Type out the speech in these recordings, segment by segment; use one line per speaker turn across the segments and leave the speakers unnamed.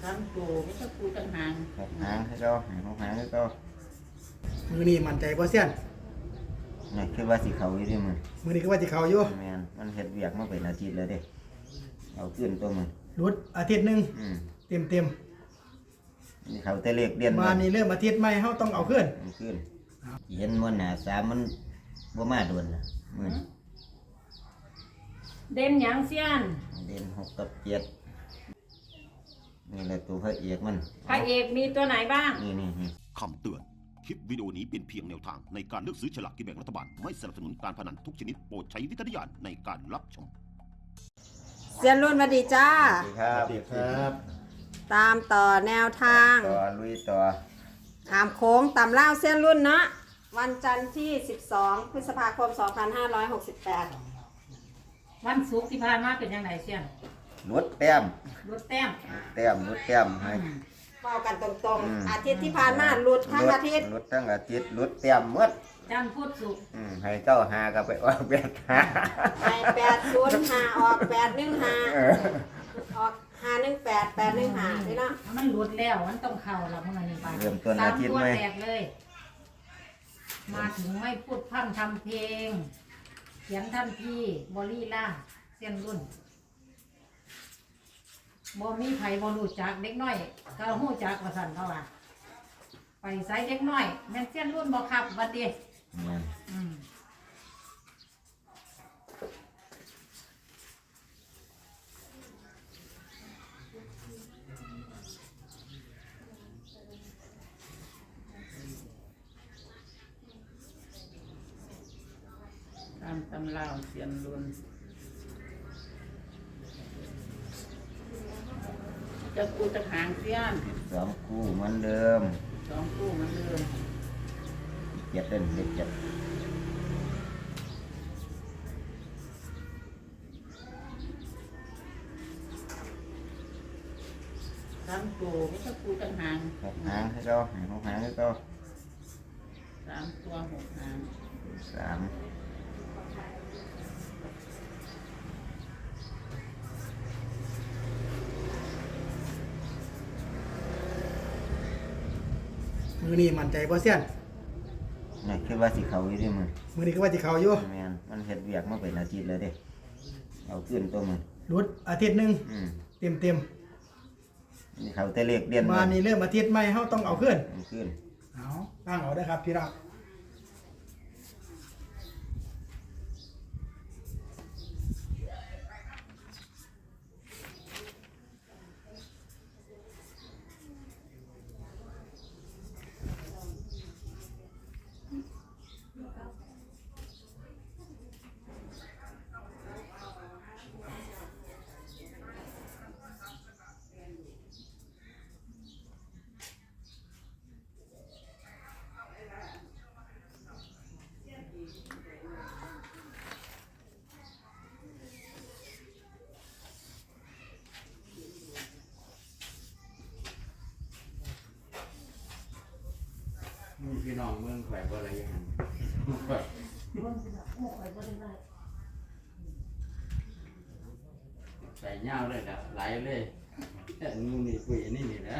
ทั้งโตไม่ต้องปูต่างหาง
หกหางให้เขาให้หกหางให้เขา
มือนี้มั่นใจบ่เซียน
นี่คือว่าสิเขาอยู่ที่มือ
มือนี้ก็ว่าสิเขาอยู่
แมนมันเฮ็ดเวียกมาเป็นอาทิตย์แล้วเด้เอาขึ้นตัวมัน
รุดอาทิตย์หนึงเต็ม
นี่เขาแต่เลขเดือน
มานี่เริ่มอาทิตย์ใหม่เฮาต้องเอาขึ้น
มันขึ้นเห็นมันหนาสามมันบ่มาโดนละมือ
เด่นหยังเสี้ยน
เด่นหกกับเจ็ดนี่แหละตัวพระเอกมัน
พระเอกมีตัวไหนบ้าง
นี่
คำเตือน คลิปวิดีโอนี้เป็นเพียงแนวทางในการเลือกซื้อฉลากกินแบ่งรัฐบาล ไม่สนับสนุนการพนันทุกชนิดโปรดใช้วิจารณญาณในการรับชม
เซียนรุ่นสวัสดีจ้า
สวัสดีครับ
ครับ
ตามต่อแนวทาง
ต่อลุยต่อ
ถามโค้งตำเล่าเซียนรุ่นเนาะวันจันทร์ที่ 12 พฤษภาคม 2568
วันศุกร์ที่ผ่านมาเป็นยังไงเสี้ยน
ลดแต้ม
รถแต้ม
ลดแต้มให้
เป้ากันตรงๆ อาทิตย์ที่ผ่านมาหลุดทั้งอาทิตย์
ลดทั้งอาทิตย์ลดแต้มหมด
จันทร์พุธศุกร์
ให้เจ้าหากับไปออกแบบหา
ให้805 ออก 815 ออก 518 815นี่เนาะ
มันหลุดแล้วมันต้องเข้าละเมื่อนี้ไป
เริ่มต้น
ตา
อาม ทิตย์
ตัว
ไหม
แตกเลย มาถึงไม่พูดพร่ำทำเพลง เขียนทันทีบอลี่ล่าเส้นรุ่นบ่มีไผบ่รู้จักเด็กน้อยก็ฮู้จักว่าสั่นเขาว่าไปใส่เด็กน้อยแม่นเส้นรุ่นบ่ครับบัดเดี
นั่น
อืม ตามตำราวเสียนรุนจะกูจะหางเสี้ยน
สองคู่เหมือนเดิม
สองคู่เหมันเดิม
เจ็ดเล่นเจ็ด
ทั้งโตไม่ต้องกูต่างหาง
หกหางให้เขาให้หกหางให้เขา
สามตัวหกหาง
สาม
มือนี้มั่นใจบ่เซียน
นี่คือว่าสิเขาอยู่ที่มือ
มือนี้ก็ว่าสิเขาอยู่
แมนมันเฮ็ดเวียกมาเป็นอาทิตย์แล้วเด้เอาขึ้นตัวมัน
รุดอาทิตย์หนึงเต็ม
นี่เขาแต่เลขเดือน
มานี่เริ่มอาทิตย์ใหม่เฮาต้องเอาขึ้น
มันขึ้น
เอาตั้งเอาได้อครับพี่น้อง
พี่น้องเมืองแขวงอะไรอย่างนั้นใส่เงาเลยนะไหลเลยงูนี่คุยนี่นะ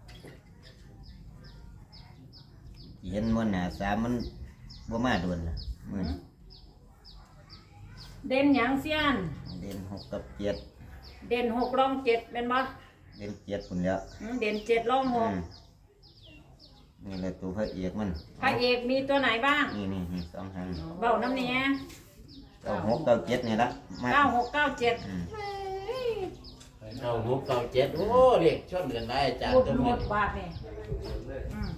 เห็นมันหนาสามมันบ่มาโดนละมือ
เด่นหยังเสี้ยน
เด่นหกกับเจ็ด
เด่นหกรองเจ็ดเป็นบ่
เด่นเจ็ดคนแล้ว
เด่นเจ็ดรองหก
นี่แหละตัวพระเอกมัน
พระเอกมีตัวไหนบ้าง
นี่สองหาง
เบ้าน้ำเนี้ย
เก้าหกเก้าเจ็ดนี่ละมา
9697
9697โอ้เรียกชนกันได้อาจารย์
พูด
ตัว
หม
นี้
ดบาทนี่อืม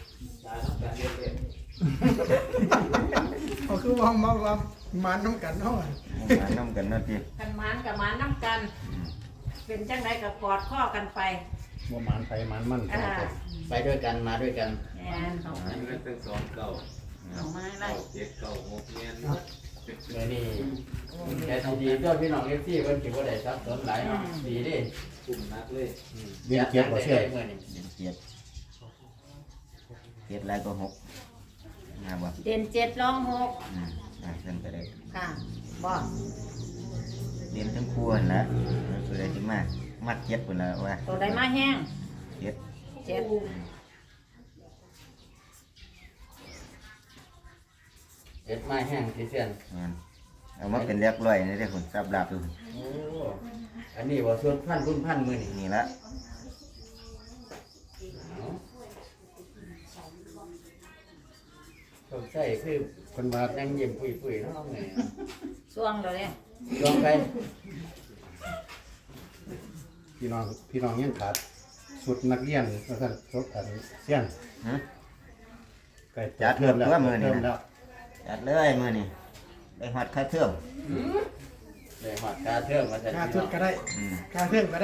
เอาคือว่ามาน้ำกันเฮาอะ
มาน้ำกันเนาะที
กันหมานกับหมานน้ำกัน เป็นจังไดกับกอดข้อกันไป
บ่หมานไผหมานมัน
ไปด้วยกันมาด้วยกัน
แอนเอา
อันนี้เป็นสองเก่า
เอามาไล่
เจ็ดเก่าหกเงี้ย
เมื่อนี้แค่ดีๆก็พี่น้องเอฟซีเพิ่นสิบ่ได้ซับสนหลายเนาะดีเดิ
กลุ่มนักเลย
เรียนเก็บบ่เชื่อมื้อนี้
เด่นเจ็ดเจ็ดลายก็หกมาบ่
เด่น7รอง6
เส้นไปได้
ค่ะบ่
เด่นทั้งคู่นั่นละมันคืออะไรที่มากมัดเจ็ดพุ่นละว่า
ตัวใดมาแห้ง
เจ็ด
เจ็ด
เจ็ดไม้แห้งที่เสียน
แม่นเอามาเป็นเรียบร้อยนี่เด้อคุณสับลาบอยู่
โอ้อันนี้ว่าส่วนพันรุ่นพันมือนี่
นี่ละ
ผมใส่คือ
คนว่า
ยังยิ้มปุยๆเนาะไง
ช่วงเลยเนี่ย
ลองไป
พี่น้องยังขาดสุดนักเรียนว่าซั่นสุดอันเสี้ยน
หึ
ใกล้
จัดเริ่มตัวมื้อนี้
เริ่ม
นะ
แล้ว
จัดเลยมื้อนี้ได้ฮอดค่าเทอม
เลยหอดกาเทิงมาแต่
ค่า
ที่
ชุด
น้อง
ก็ได้
อืม
ค่าเครื่องก็ได้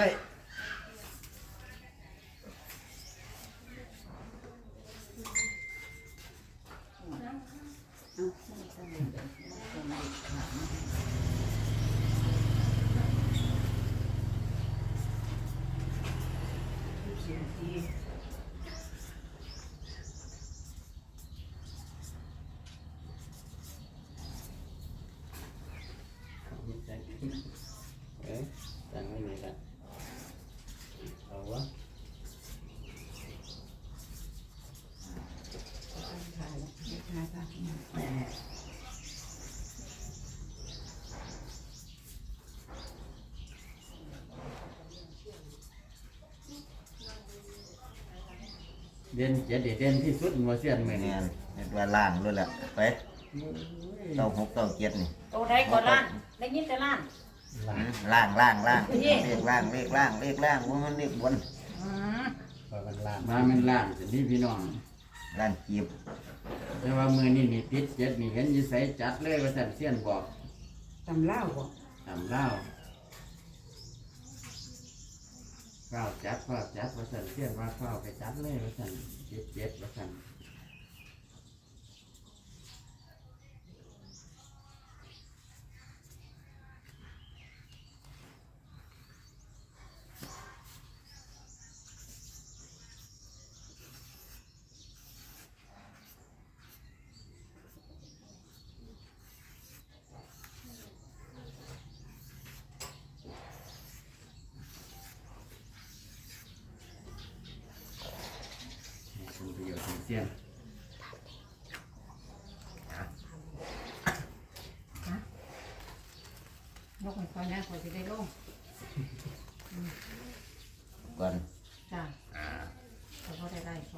เอ๊ะตั้งไว้นี่กันเอาวะ เด่นเจ็ดเด่นที่สุดมัวเสียนมือนี่
แม่นเฮ็ดว่าล่างเลยล่ะไปเก้าหกเก้าเจ็ดนี่
ตัวใดก่อนล้านได้ยินแต่ล้าน
ล่างล่างล่าง
นี่
เลขล่างเลขล่างเลขล่างว่ามันเลขบน
อืม
ว่ามันลาม
มาเป็นล้านสินี่พี่น้อง
ล่างจีบ
แต่ว่ามือนี่นี่ติดเจ็ดนี่เห็นอยิ่ใส่จัดเลยว่าสันเสียนบอก
ตำเล่าบ่
ทำเล่าข้าวจัดว่าสันเสียนว่าข้าวไปจัดเลยว่าสันเจ็ดว่าสัน คุณประโยชน์ของเสียน
ยกให้คอยนะคอยจะได้ลง
ก่อน
จ้าเขาก็ได้เขา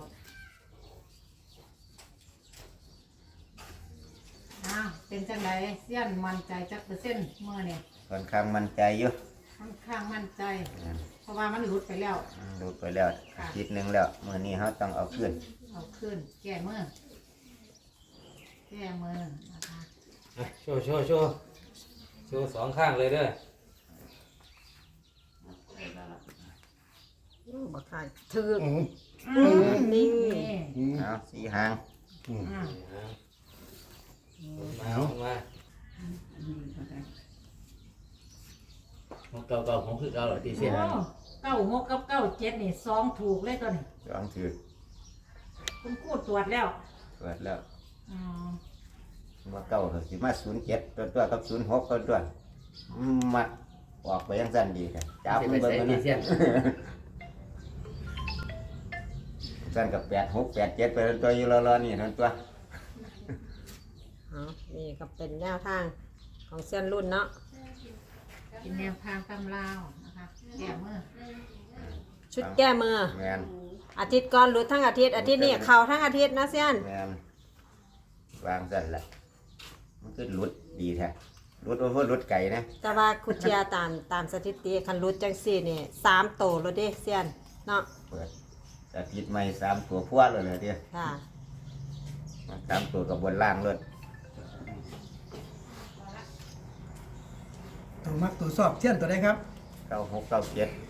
อ้าวเป็นจังไดเสี้ยนมั่นใจจักเปอร์เซ็นต์เมื่อเนี่ย
ค่อนข้างมั่นใจอยู่
ค่อนข้างมั่นใจ เพราะว่ามันหลุดไปแล้ว
ดูไปแล้วอาทิตย์หนึงแล้วมื้อนี้เฮาต้องเอาขึ้น
เอาขึ้น แก้มือแก้มือนะคะ
โชว์โชว์สองข้างเลยเด้อ
บ่ทายถือ
อืม
นิ่ง
นี่
อืม
เอาสี่หาง
อืม
อืม
มามา
ของเก่าของคือเก่าเหรอที่เสียน
โอ้96กับ97นี่สองถูกเลยตัวนี้
สองถือ
คุณครูตรวจแล้ว
เปิดแล้ว
อืม
ว่าเก้าก็สิมา07ตัวกับ06ตัวมัดออกไปยังสั้นดีค่ะจับ
จะ
มั
ไป
นเบิ่ง
ใส่
มัน
ที่
นะ
เสียน
สั้นกับ86 87ไปตัวอยู่รอๆนี่นั่นตัว
เอานี่ก็เป็นแนวทางของเส้นรุ่นเนาะ
เป็นแนวทางตำราวนะคะแก้มือ
ชุดแก้มือ
แม่น
อาทิตย์ก่อนหลุดทั้งอาทิตย์อาทิตย์นี้เข้าทั้งอาทิตย์นะเส้น
แม่นวางสั้นละมันคือหลุดดีแท้หลุดว่าหลุดไก่นะ
แต่ว่าคุเชียตามสถิติคันหลุดจังสี่นี่3โตแล้วเด้เส้นเนาะ
เปิดอาทิตย์ใหม่3ตัวพวดเลยเด้อ
ค่ะ
3ตัวกับบนล่างเลย
ตัวมักตัวสอบเสี้ยนตัวใดครับ
96 97